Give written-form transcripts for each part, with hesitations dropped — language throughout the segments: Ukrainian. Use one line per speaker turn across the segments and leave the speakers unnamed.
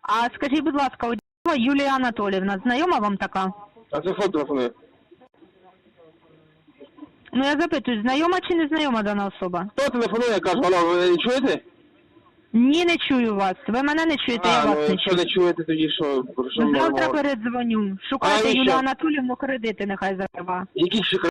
А скажіть, будь ласка, Одієва Юлія Анатоліївна, знайома вам така?
А це хто телефонує?
Ну я запитую, знайома чи не знайома дана особа?
Хто телефонує, я кажу, алло, ви не чуєте?
Ні, не чую вас. Ви мене не чуєте, я вас не
якщо
чую.
не чуєте, тоді що? Про що ми
Завтра
говоримо?
передзвоню. Шукайте
А, і
Юлію
що?
Анатоліївну, кредити нехай закрива.
Які ще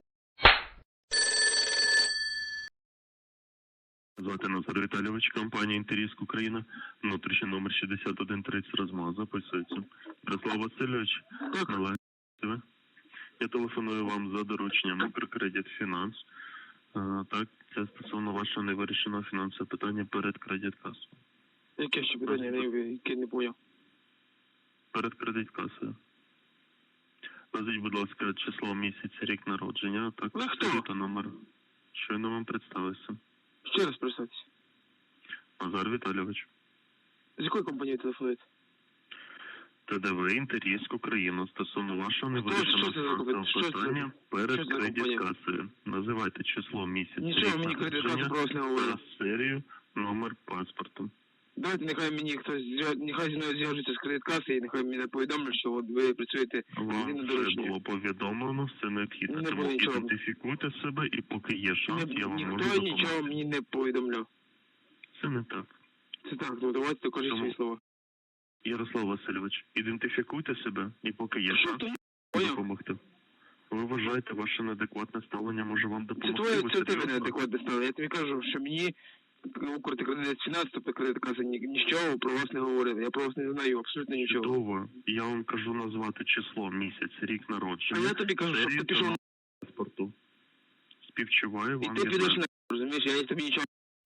Звати Назар Віталійович, компанія «Інтеріск Україна», внутрішній номер 6130 розмова записується. Ярослав Васильович, належите. Я телефоную вам за дорученням «Мікрокредит Фінанс». Так, це стосовно вашого невирішеного фінансового питання перед кредит-касою.
Яке ще питання, яке не поняв?
Перед кредит-касою. Назвіть, будь ласка, число, місяць, рік народження, так,
Ви хто?
та номер. Щойно вам представився.
Ще раз представтеся.
Назар Віталійович.
З якої компанії телефонуєте?
ТДВ «Інтеріск Україна» стосовно вашого
що
невирішеного
це за компанія?
фінансового питання
Що
перед
це за
кредит-касою. Називайте число, місяць,
Нічого,
рік
мені кредит-касу
народження
про вас не говорили.
та серію, номер паспорту.
Давайте нехай мені хтось, нехай зі мною зв'яжуться з кредиткаси і нехай мені повідомлять, що от ви працюєте
Вам
єдине
вже
доручення.
було повідомлено, все необхідно.
Не
Тому
було нічого.
ідентифікуйте себе і поки є шанс, я вам можу
Ніхто нічого
допомогти.
мені не повідомляв.
Це не так.
Це так, ну давайте докажіть
Тому-
свої слова.
Ярослав Васильович, ідентифікуйте себе і поки є
Що
шанс,
то поняв?
допомогти. Ви вважаєте, ваше неадекватне ставлення може вам
Це
допомогти?
твоє,
Ви
це тебе
серйозно?
неадекватне стало. Я тобі кажу, що мені Укртекредит Фінанс, тобто кредиткаса нічого про вас не говорили. Я про вас не знаю абсолютно нічого.
Чудово. Я вам кажу назвати число, місяць, рік народження.
А я тобі кажу, щоб
серію
ти пішов
та номер паспорту. Співчуваю
і
вам.
ти
я
підеш
знаю.
на розумієш, я тобі нічого.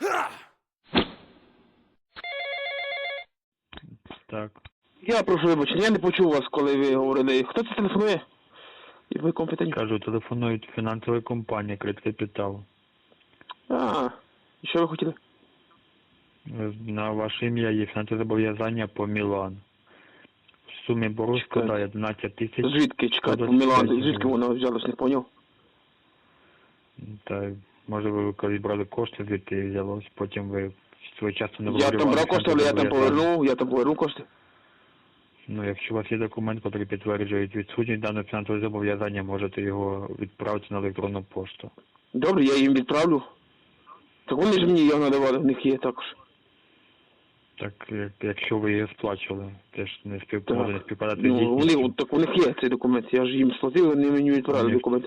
Так.
Я прошу вибачення, я не почув вас, коли ви говорили. Хто це телефонує? І ви компетентні?
Кажу, телефонують фінансова компанія «Кредкапітал».
І що ви хотіли?
На ваше ім'я є фінансове зобов'язання по Мілан. В сумі боргу
Чекайте.
складає 11 тисяч.
Звідки, чекайте,
125
Мілан,
гривень.
звідки воно взялось, не поняв?
Та, може ви коли брали кошти, звідти взялось, потім ви своєчасно не
Я там брав кошти, але я там повернув кошти.
Ну, якщо у вас є документ, який підтверджує відсутність даного фінансового зобов'язання, можете його відправити на електронну пошту.
Добре, я їм відправлю. Так вони ж мені його надавали, в них є також.
Так, якщо ви її сплачували, теж не може не співпадати з
Ну,
дійсністю.
так у них є цей документ, я ж їм сплатив, вони мені відправили
Ні.
документ.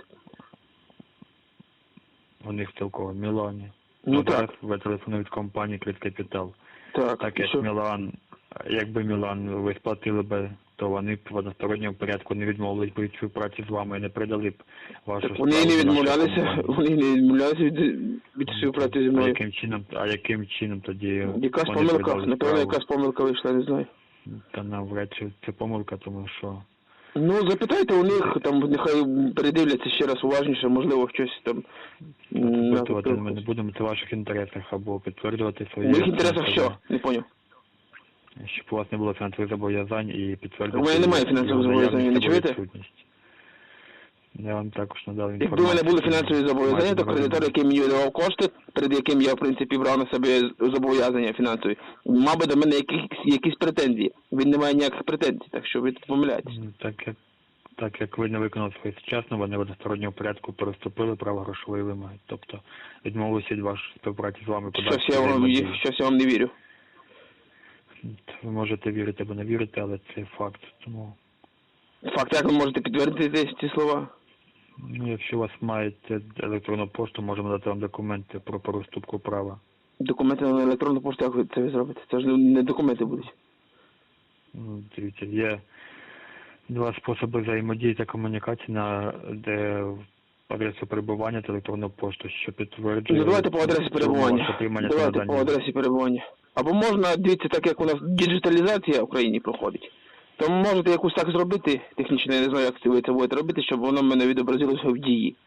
У них цілково в Мілані.
Ну
Зараз
так,
ви телефонують компанії «Кредкапітал». Так
і
як
що?
Мілан, якби Мілан ви сплатили би, то вони б в односторонньому порядку не відмовились би від співпраці з вами і не передали б вашу
Так вони
справу
не
в нашу
відмовлялися,
компанію.
вони не відмовлялися від співпраці зі
А
мною.
яким чином тоді
Якась
вони
помилка,
передали
напевно,
справу?
якась помилка вийшла, не знаю.
Та навряд чи це помилка, тому що
Ну, запитайте у них, там, нехай передивляться ще раз уважніше, можливо, щось там...
запитувати ми не будемо, це в ваших інтересах, або підтверджувати
У
свої...
моїх інтересах що? Не поняв.
Щоб у вас не було фінансових зобов'язань і підтвердити...
У мене немає фінансових зобов'язань, не чуєте?
відсутність. Я вам також надав
Якби в
інформацію.
мене були фінансові зобов'язання, то кредитор, який мені видавав кошти, перед яким я, в принципі, брав на себе зобов'язання фінансові, мав би до мене якісь претензії. Він не має ніяких претензій, так що ви тут помиляєтесь.
Ну, так як ви не виконали своєчасно, вони в односторонньому порядку переступили право грошової вимоги. Тобто відмовилися від вашої співпраці з вами подальшої взаємодії.
Щось я вам не вірю.
Ви можете вірити або не вірити, але це факт. Тому,
Факт, як ви можете підтвердити ці слова?
ну, якщо у вас маєте електронну пошту, можемо дати вам документи про переступку права.
Документи на електронну пошту, як ви це зробите? Це ж не документи будуть.
Ну, дивіться, є два способи взаємодії та комунікації на адресу перебування та електронну пошту, що підтверджує...
Ну, давайте по адресі перебування. Давайте по адресі перебування. Або можна, дивіться, так як у нас діджиталізація в Україні проходить, то можете якусь так зробити, технічно, я не знаю, як ви це будете робити, щоб воно в мене відобразилося в дії.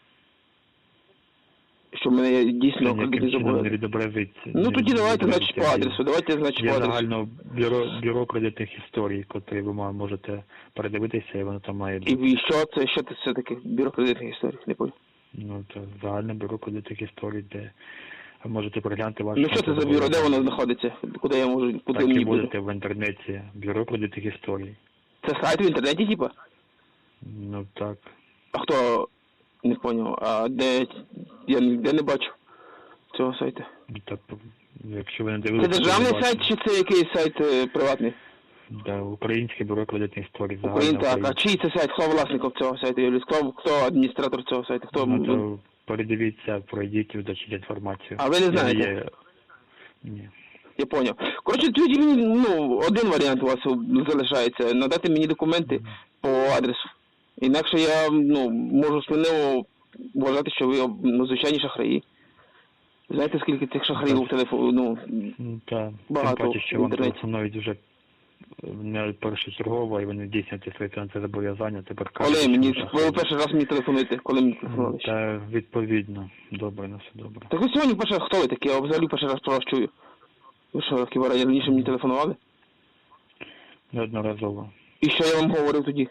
Щоб мене дійсно кредитні зобов'язання.
відобразиться.
Ну тоді давайте, значить, по адресу. Давайте, значить,
Є
по адресу.
загально бюро кредитних історій, котрі ви можете передивитися, і воно там має бути.
І що це все таке? Бюро кредитних історій, не пам'ятаю.
Ну, це загальне бюро кредитних історій, де Можете переглянути ваше...
Ну що це за бюро, де воно знаходиться? Куди я можу, куди
Так
мені
і
буде?
будете в інтернеті. Бюро кредитних історій.
Це сайт в інтернеті, типа?
Ну так.
А хто? Не поняв. А де? Я ніде не бачу цього сайту.
Так, якщо ви не
Це
дивилися...
державний сайт чи це якийсь сайт приватний?
Да, Українське бюро кредитних історій.
Так, а чий це сайт? Хто власником цього сайту? Юліс? Хто адміністратор цього сайту? Хто?
Ну, то передивіться, пройдіть, вдачіть інформацію.
А ви не знаєте?
Є... Ні.
Я поняв. Коротше, тоді мені, один варіант у вас залишається. Надати мені документи по адресу. Інакше я, можу сміливо вважати, що ви, звичайні шахраї. Знаєте, скільки цих шахраїв в телефоні,
Та,
багато
тим паче, що
в
вам
інтернеті.
телефонують вже не першочергово, і вони здійснюють свої фінансові зобов'язання. Тепер
Коли
кажуть,
мені,
що
ви перший раз мені телефонуєте? Коли мені телефонували?
Та відповідно. Добре, на все добре.
Так ви сьогодні перший раз, хто ви такі? Я взагалі перший раз про вас чую. Ви що, хіба раніше мені телефонували?
Неодноразово.
І що я вам говорив тоді?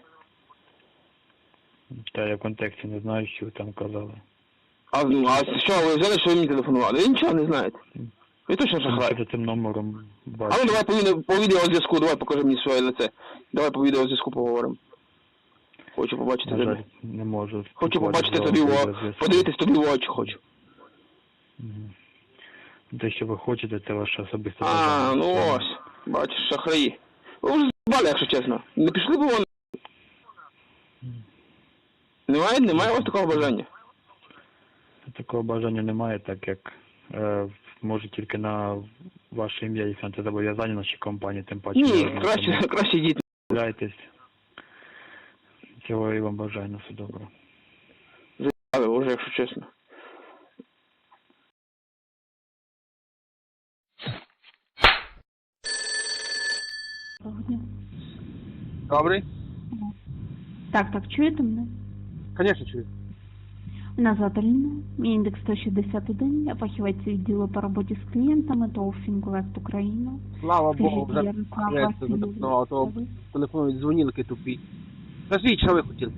Та я в контексті не знаю, що ви там казали.
А що, ви взяли, що ви мені телефонували? Ви нічого не знаєте. Ви точно шахрай.
За цим номером
А
бачу.
ну давай по відеозв'язку, давай покажи мені своє лице. Давай по відеозв'язку поговоримо. Хочу побачити
На жаль,
тебе.
не можу.
Хочу побачити
спілкуватися
тобі
з
в
вами через
подивитись тобі в очі хочу.
Мгм. Те, що ви хочете, це ваше особисте
А,
бажання.
ну ось. Бачиш, шахраї. Ви вже з***бали, якщо чесно. Не пішли б вони? Немає у вас такого бажання?
Такого бажання немає, так як може тільки на ваше ім'я і фінансові зобов'язання нашій компанії, тим паче.
Ні,
ви
краще йдіть.
відмовляєтесь. Цього і вам бажаю, на все добре.
Але вже, якщо чесно.
Добрий?
Так, чуєте мене?
Звісно, чую.
Мене звати Ліна, мій індекс 161, я фахівець відділу по роботі з клієнтами ТОВ «Фінколект Україна».
Слава Богу, вже
Ярослав
проєкт
Васильович,
запропонував, то телефонують дзвонілки тупі. Скажіть, що ви хотіли?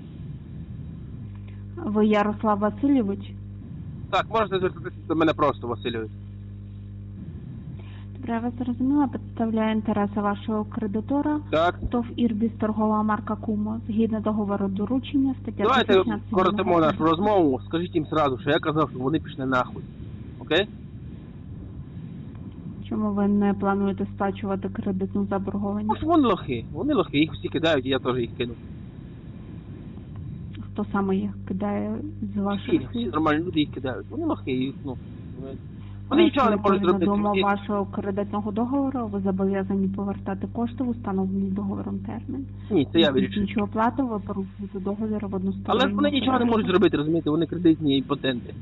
Ви Ярослав Васильович?
Так, можете звертатися до мене просто, Васильович.
Добре, я вас зрозуміла, представляю інтереси вашого кредитора.
Так.
ТОВ «Ірбіс», торгова марка «Кумо», згідно договору доручення, стаття
Давайте
16.
коротимо нашу розмову, скажіть їм сразу, що я казав, що вони пішли нахуй. Окей?
Чому ви не плануєте сплачувати кредитну заборгованість?
Ну, що вони лохи, їх всі кидають, і я теж їх кину.
Хто саме їх кидає з ваших
Всі
слів?
нормальні люди їх кидають. Вони лохи, їх, вони нічого не можуть зробити.
На
Вони-
вашого кредитного договору ви зобов'язані повертати кошти в установлений договором термін.
Ні, це я вирішую.
Нічого оплату, ви порушуєте договір в односторонньому
Але ж вони нічого не
порядку.
можуть зробити, розумієте, вони кредитні імпотенти.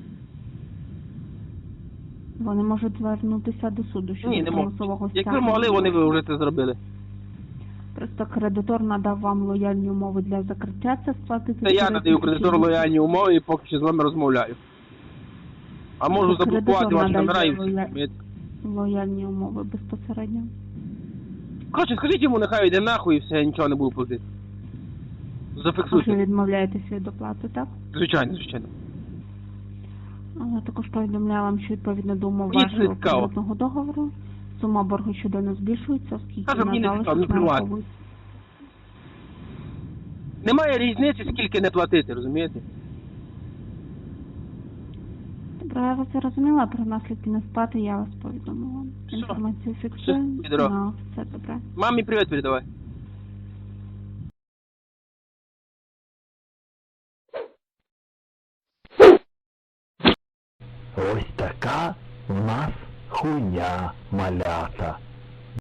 Вони можуть звернутися до суду щодо
Ні, не
примусового
можуть. Якби
стягнення.
могли, вони б вже це зробили.
Просто кредитор надав вам лояльні умови для закриття, це сплатити.
Це я надаю кредитору лояльні умови і поки що з вами розмовляю. А можу
Кредитор
заблокувати ваші
надає
номера і все.
лояльні умови безпосередньо.
Коротше, скажіть йому, нехай йде нахуй і все, я нічого не буду платити.
Ви
Зафіксуйте.
відмовляєтеся від оплати, так?
Звичайно, звичайно.
Але також повідомляю вам, що відповідно до умов
Мені це не
вашого
цікаво.
кредитного договору сума боргу щоденно збільшується, оскільки
Каже, мені не
на
цікаво,
залишок
мені плювати.
нараховується.
Немає різниці, скільки не платити, розумієте?
Добре, я вас зрозуміла, про наслідки несплати я вас повідомила.
Все.
Інформацію фіксую.
Все, підро.
На все добре.
Мамі привіт передавай.
Ось така у нас хуйня малята.